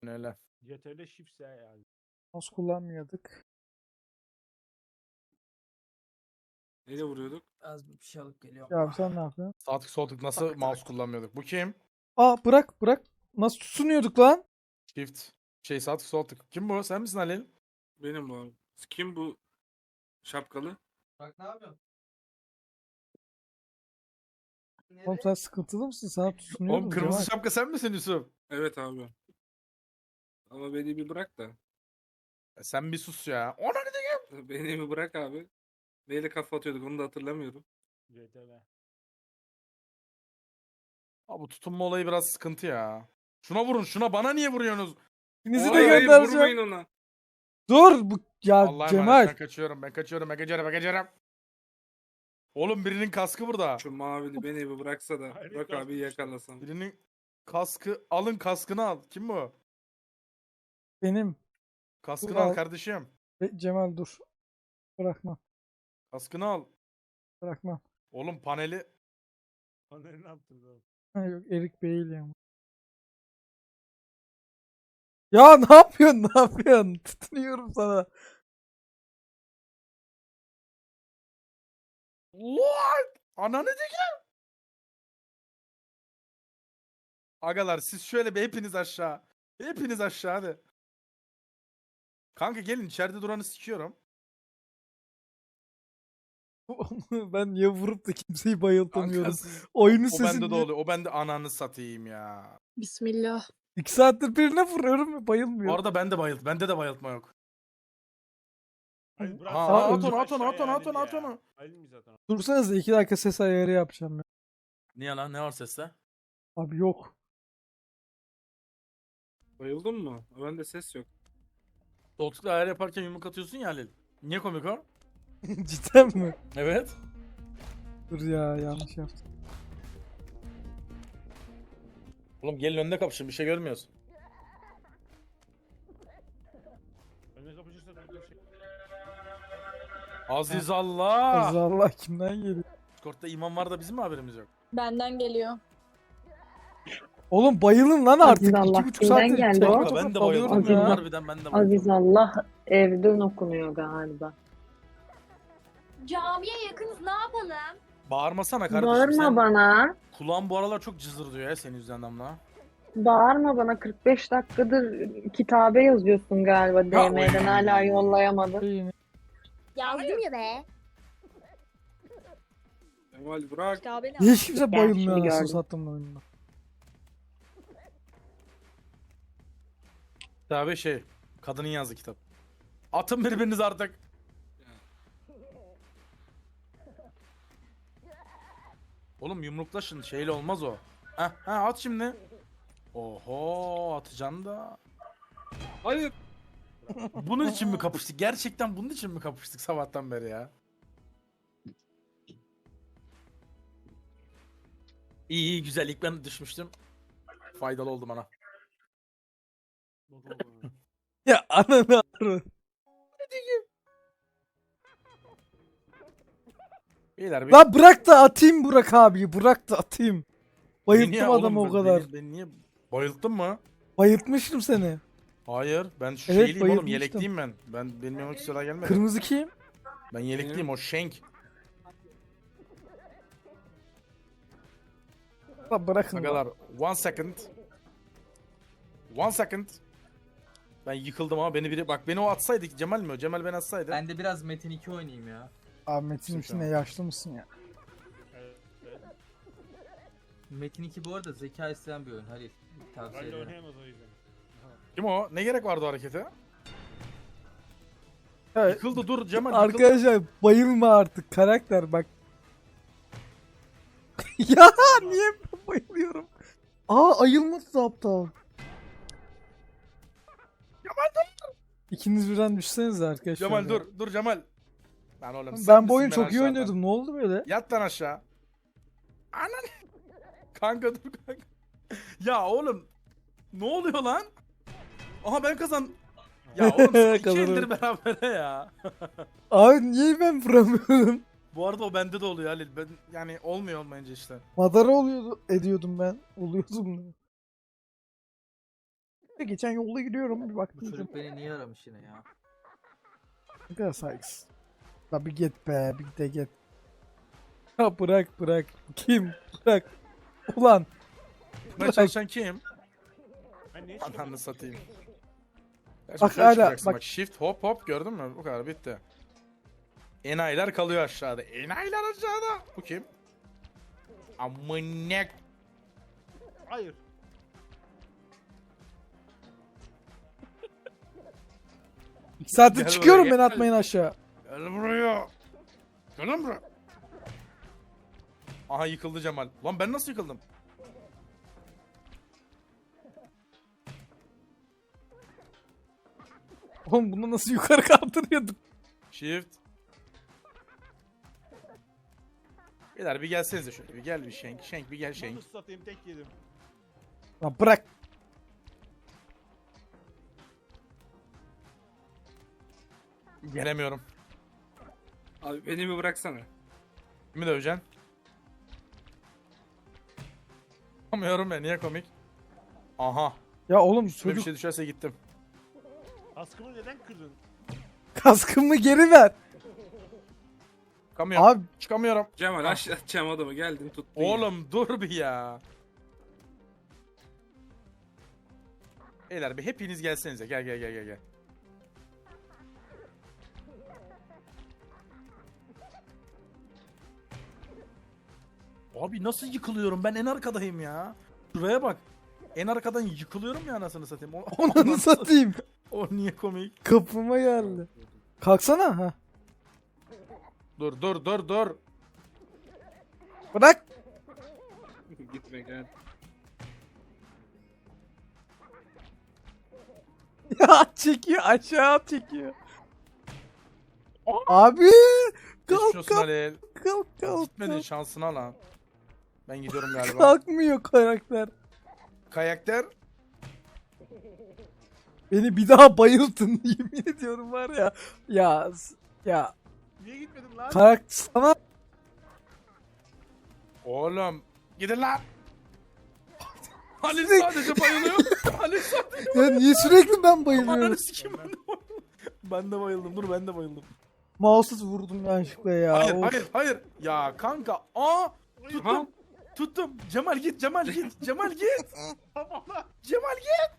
Öyle. CTRL Shift S yani. Mouse kullanmıyorduk. Neyle vuruyorduk? Az bir şey alıp geliyorum. Ya abi sen ne yapıyorsun? Sağ tık sol tık nasıl Tak, mouse tak. kullanmıyorduk? Bu kim? Aa bırak. Nasıl tutunuyorduk lan? Shift. Sağ tık sol tık. Kim bu? Sen misin Halil? Benim bu abi. Kim bu şapkalı? Bak ne yapıyorsun? Oğlum sen sıkıntılı mısın? Sana tutunuyordum. Oğlum kırmızı Cemal. şapka sen misin Yusuf? Evet abi. Ama beni bir bırak da. Sen bir sus ya. Ona ne diyeyim? Beni bir bırak abi. Neyle kafa atıyorduk onu da hatırlamıyorum. CTRL. Abi bu tutunma olayı biraz sıkıntı ya. Şuna vurun şuna, bana niye vuruyorsunuz? İkinizi de Hayır, hayır, göndereceğim. vurmayın ona. Dur bu ya Allah'a emanet, Cemal. ben kaçıyorum. Oğlum birinin kaskı burada. Şu mavili beni bir bıraksa da. Hayır, Bak abi yakalasam. Birinin kaskı, alın kaskını al. Kim bu? Benim. Kaskını Dur, al al. kardeşim. Cemal dur. Bırakma. Kaskını al. Bırakma. Oğlum paneli Paneli ne yaptınız oğlum? Ha, yok Erik Bey'il ya. Ya ne yapıyorsun? Ne yapıyorsun? Tutunuyorum sana. What? Ananı diyeceğim. Agalar siz şöyle bir hepiniz aşağı. Hepiniz aşağı hadi. Kanka gelin içeride duranı sikiyorum. Ben ya vurup da kimseyi Kanka bayıltamıyorum. siz... Oyunun O bende de sesini oluyor. O bende ananı satayım ya. Bismillah. 2 saattir birine vuruyorum ve bayılmıyor. Bu arada ben de bayılt. Bende de bayıltma yok. Hayır, bırak. Ha, sen at öldür onu, aşağıya at onu. Halil ya. Halil mi zaten? Dursanız 2 dakika ses ayarı yapacağım ya. Niye lan? Ne var seste? Abi yok. Bayıldın mı? Bende ses yok. Koltukla ayar yaparken yumruk atıyorsun ya Halil. Niye komik o? Cidden mi? Evet. Dur ya yanlış yaptım. Oğlum gelin önünde kapışın, bir şey görmüyoruz. Önüne kapışırsa da bir şey. Aziz Allah. Allah kimden geliyor? Discord'da iman var da bizim mi haberimiz yok? Benden geliyor. Oğlum bayılın lan artık. Allah, 2,5 kimden saattir geldi tekme o? Kanka tokat ben de dalıyorum bayıldım ya. ya. Harbiden ben de bayıldım. Aziz Allah evden okunuyor galiba. Camiye yakınız, ne yapalım? Bağırmasana kardeşim Bağırma sen. bana. Kulağın bu aralar çok cızır diyor ya senin yüzünden Damla. Bağırma bana. 45 dakikadır kitabe yazıyorsun galiba DM'den hala yollayamadın. Şeyini- Yazdım ya be. Kemal bırak. Kitabeni Niye hiç kimse bayılmıyor şimdi anasını gördüm. sattım oyunda. Tabi şey, kadının yazdığı kitap. Atın birbiriniz artık. Oğlum yumruklaşın, şeyle olmaz o. Ha at şimdi. Oho atacaksın da. Hayır. Bunun için mi kapıştık? Gerçekten bunun için mi kapıştık sabahtan beri ya? İyi güzel, ilk ben düşmüştüm. Faydalı oldu bana. Ya ananı arı. Beyler bir... Lan bırak da atayım Burak abi. Bırak da atayım. Beni Bayılttım niye- adamı oğlum o kadar. Beni niye... Bayılttın mı? Bayıltmıştım seni. Hayır, ben şu Evet, şeyliyim oğlum, bayılmıştım. yelekliyim ben. Benim yanıma sıra gelmedi. Kırmızı kim? Ben yelekliyim, o Shank. Lan bırakın. lan. Agalar, one second. Ben yıkıldım ama beni biri... Bak beni o atsaydı, Cemal mi o? Cemal beni atsaydı. Ben de biraz Metin 2 oynayayım ya. Abi Metin üstüne yaşlı mısın ya? Evet. Metin 2 bu arada zeka isteyen bir oyun Halil. Tavsiye Halil ederim. oynayamaz o yüzden. Kim o? Ne gerek vardı o harekete? Evet. Yıkıldı, dur Cemal, yıkıldı. Arkadaşlar bayılma artık karakter bak. Ya niye ben bayılıyorum? Aa ayılmadı aptal. İkiniz birden düşsenize arkadaşlar. Cemal ya. dur Cemal. Lan oğlum sen Ben bu misin oyunu çok iyi aşağıdan? oynuyordum. Ne oldu böyle? Yat lan aşağı. Anan. Kanka dur kanka. Ya oğlum. Ne oluyor lan? Aha ben kazan. Ya oğlum siz iki Kazanırım. eldir berabere ya. Abi niye ben vuramıyorum? Bu arada o bende de oluyor Halil. Ben yani olmuyor olmayınca işte. Madara oluyordu, ediyordum ben. Oluyordum. Geçen yolda gidiyorum bir Bu baktım. çocuk beni niye aramış yine ya? Ne kadar saygısız. La bir git be, bir de git. Ya bırak. Kim? Bırak. Ulan. Buna çalışan kim? Ben niye Ananı çıkamadım? satayım. Bak Şöyle hala, çıkacaksın bak. bak. Shift hop hop gördün mü? Bu kadar bitti. Enayiler kalıyor aşağıda. Enayiler aşağıda. Bu kim? Amınek. Hayır. İki saattir Gel çıkıyorum buraya, beni gel. atmayın aşağı. Gel buraya. Gel lan buraya. Aha yıkıldı Cemal. Lan ben nasıl yıkıldım? Oğlum bunu nasıl yukarı kaldırıyorduk? Shift. Beyler bir gelsenize şöyle. Bir gel bir Şenk. Şenk bir gel Şenk. Nasıl satayım tek yedim. Lan bırak. Gelemiyorum. Abi beni bir bıraksana. Kimi döveceksin? Yapamıyorum ya, niye komik? Aha. Ya oğlum Üstüme bir çocuk şey düşerse gittim. Kaskımı neden kırdın? kaskımı geri ver. Çıkamıyorum. Abi Çıkamıyorum. Cemal aşağı atacağım adamı geldin tuttun. Oğlum dur bir ya. Beyler bir hepiniz gelsenize. Gel. Abi nasıl yıkılıyorum? Ben en arkadayım ya. Şuraya bak. En arkadan yıkılıyorum ya, anasını satayım. onu satayım. O niye komik? Kapıma geldi. Kalksana ha. Dur. Bırak. Gitme gel. Ya çekiyor aşağı çekiyor. Abi Geçmiş olsun kalk Halil. kalk. Gitmedin şansına lan. Ben gidiyorum galiba. Kalkmıyor karakter. Karakter. Beni bir daha bayıltın yemin ediyorum var ya. Ya Niye gitmedim lan? karakter sana Oğlum gidin lan. Halil Sürekli- sadece bayılıyor. Halil sadece ya niye sürekli ben bayılıyorum? Ananı sikeyim, ben de bayıldım. Ben de bayıldım. Dur ben de bayıldım. Mouse'suz vurdum yanlışlıkla ya. Hayır Of. hayır. Ya kanka. Aa Ha? tuttum. Tuttum. Cemal git. Cemal git. Cemal git.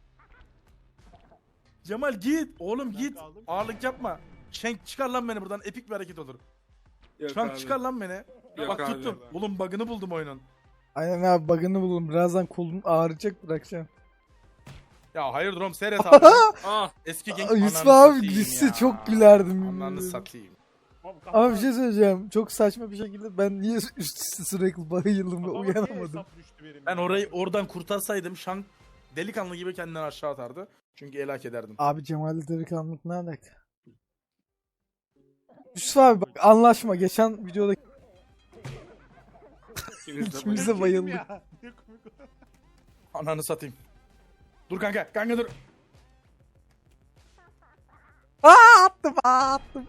Cemal git. Oğlum Ben git. kaldım. Ağırlık yapma. Şenk çıkar lan beni buradan. Epik bir hareket olur. Yok Şenk abi. çıkar lan beni. Yok Bak abi. tuttum. Oğlum bug'ını buldum oyunun. Aynen abi bug'ını buldum. Birazdan kolun ağrıyacak bırakacağım. Ya hayır Rom seyret abi. Ah. Eski genç Yusuf ananı abi satayım gitse ya. çok gülerdim. Ananı satayım. Ama bir şey söyleyeceğim. Çok saçma bir şekilde ben niye üst üste sürekli bayıldım ve uyanamadım. Ben orayı oradan kurtarsaydım Şank delikanlı gibi kendini aşağı atardı. Çünkü helak ederdim. Abi Cemal'le delikanlılık ne alaka? Yusuf abi bak anlaşma. Geçen videoda İkimiz de İkimiz bayıldık. de bayıldık. Ananı satayım. Dur kanka. Kanka dur. attım.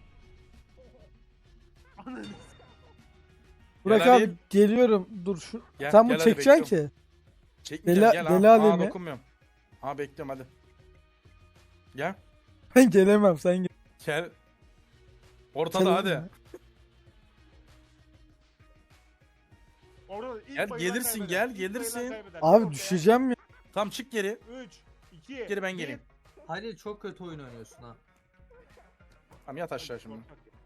Burak Gel abi Ali. geliyorum. Dur şu. Gel, Sen bunu gel hadi, çekeceksin bekliyorum. ki. Çekmeyeceğim, Deli- gel deli ha. alemi. Dokunmuyorum. Ha bekliyorum hadi. Gel. Ben gelemem sen gel. Gel. Ortada hadi. Gel, gelirsin, gel, gelirsin. Abi düşeceğim ya. Tamam çık geri. 3, 2, Geri ben geleyim. Halil çok kötü oyun oynuyorsun ha. Tamam yat aşağı şimdi.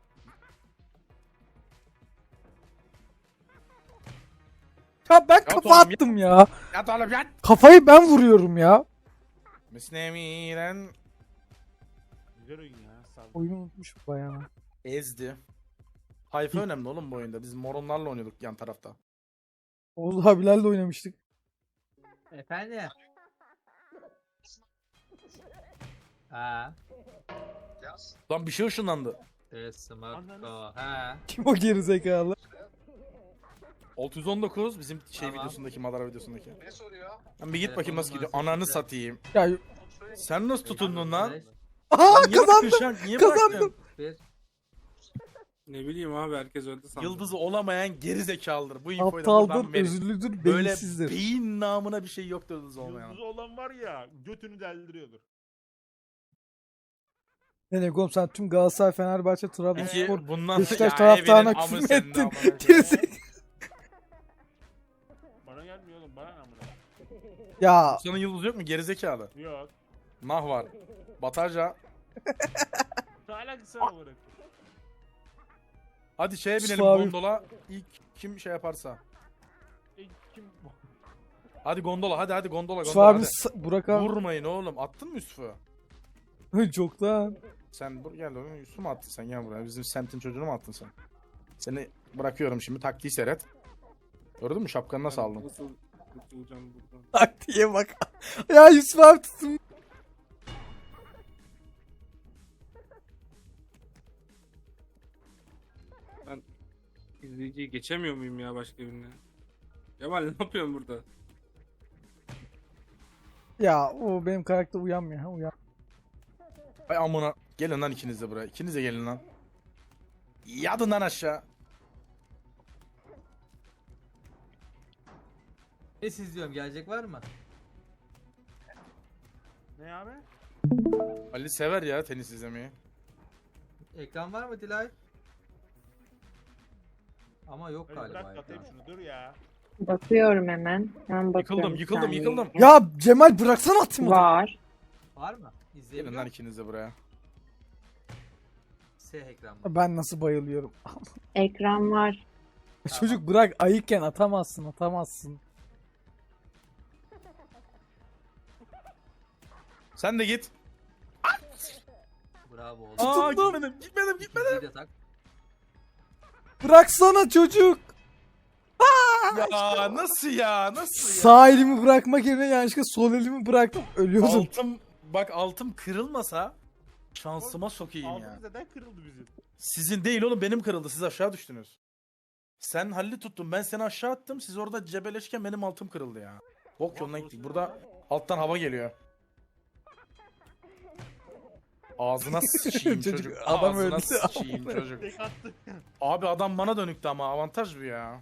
Ya ben Yat kafa oğlum, attım ya. Yat oğlum yat. Kafayı ben vuruyorum ya. Müslümiren Güzel oyun ya. Sağ ol. Oyunu unutmuşum bayağı. ezdi. Tayfa önemli oğlum bu oyunda. Biz moronlarla oynuyorduk yan tarafta. Oğuz abilerle oynamıştık. Efendim? Ha. Lan bir şey ışınlandı. Smartphone. Ha. Kim o gerizekalı? 619 bizim şey Tamam. videosundaki, Madara videosundaki. Ne soruyor? Lan bir git bakayım nasıl gidiyor. Telefonum Ananı nasıl satayım. Ya Sen nasıl tutundun lan? aha Lan niye kazandım. bıraktın şu an? Niye Kazandım. bıraktın? Bir. Ne bileyim abi, herkes öldü sandım. Yıldızı olamayan geri zekalıdır. Bu infoyu da Aptaldır, buradan verin. özürlüdür, Böyle beyinsizdir. beyin namına bir şey yoktur yıldız olmayan. Yıldızı olan var ya götünü deldiriyordur. Ne ne oğlum sen tüm Galatasaray, Fenerbahçe, Peki Trabzonspor, bundan Beşiktaş Ya taraftarına evinin amı küfür senin ettin. amına koyayım. Gerizek- Bana gelmiyor oğlum bana ne amına. Ya Senin yıldız yok mu gerizekalı? Yok. Nah var. Batarca. Ne alakası var olarak? Hadi şeye binelim Suavi. gondola. İlk kim şey yaparsa. Kim? Hadi gondola, hadi gondola Yusuf gondola. abi, Hadi. Burak abi. Vurmayın oğlum. Attın mı Yusuf'u? Çoktan. Sen gel oğlum. Yusuf mu attın sen, gel buraya. Bizim semtin çocuğunu mu attın sen? Seni bırakıyorum şimdi, taktiği seyret. Gördün mü şapkanı nasıl aldın? Nasıl kurtulacağım buradan? Taktiğe bak. Ya Yusuf abi tutun. İzleyiciyi geçemiyor muyum ya başka birine? Kemal ne yapıyorsun burada? Ya o benim karakter uyanmıyor. Ha, uyan. Ay amına. Gelin lan ikiniz de buraya. İkiniz de gelin lan. Yadın lan aşağı. Ne siz diyorum, gelecek var mı? Ne abi? Ali sever ya tenis izlemeyi. Ekran var mı Dilay? Ama yok Hadi galiba bırak atayım ekran. şunu dur ya. Bakıyorum hemen. Ben bakıyorum. Yıkıldım bir yıkıldım saniye. yıkıldım. Ya Cemal bıraksana atayım onu. Var. Var mı? Gelin lan İzleyebiliyor musun? ikiniz de buraya. S ekran mı? Ben nasıl bayılıyorum. Ekran var. Çocuk bırak, ayıkken atamazsın. Sen de git. Bravo oğlum. Aa Tutundum. gitmedim. İkinciyi de tak. Bıraksana çocuk. Ya nasıl ya? Nasıl ya? Sağ elimi bırakmak yerine yanlışlıkla sol elimi bıraktım. Ölüyordum. Altım kırılmasa şansıma sokayım ya. Ağzımız neden kırıldı bizim? Sizin değil oğlum, benim kırıldı. Siz aşağı düştünüz. Sen Halil'i tuttun, ben seni aşağı attım. Siz orada cebeleşken benim altım kırıldı ya. Bok yoluna gittik. Burada alttan hava geliyor. Ağzına sıçayım Çocuk, çocuk. adam Ağzına öldü. sıçayım çocuk. Tek attı. Abi adam bana dönüktü ama avantaj bu ya.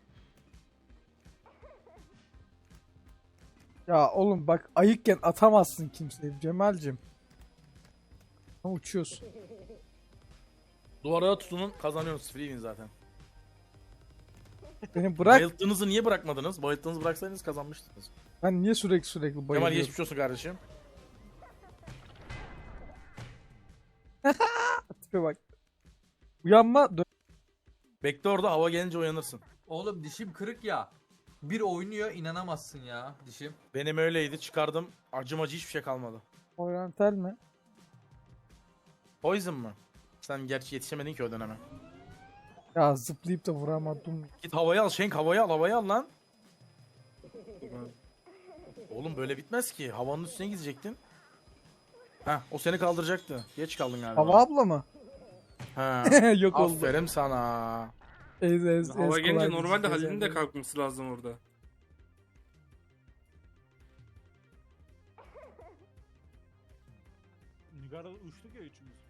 Ya oğlum bak, ayıkken atamazsın kimseyi Cemal'cim. Ama uçuyorsun. Duvara tutunun, kazanıyorsunuz. Free win zaten. Beni bırak. Bayılttığınızı niye bırakmadınız? Bayılttığınızı bıraksaydınız kazanmıştınız. Ben niye sürekli Kemal bayılıyorum? geçmiş olsun kardeşim. Tipe bak. Uyanma. Bekle orada, hava gelince uyanırsın. Oğlum dişim kırık ya. Bir oynuyor, inanamazsın ya dişim. Benim öyleydi, çıkardım. Acım acı hiçbir şey kalmadı. Oriental mi? Poison mı? Sen gerçi yetişemedin ki o döneme. Ya zıplayıp da vuramadım. Git havayı al Şenk, havayı al lan. Oğlum böyle bitmez ki. Havanın üstüne gidecektin. Heh, o seni kaldıracaktı. Geç kaldın galiba. Hava abla mı? Ha. Yok oldu. Aferin sana. Hava gelince kolay normalde değil, Halil'in de ezberledim. kalkması lazım orada. Nigar'a uçtuk ya üçümüz.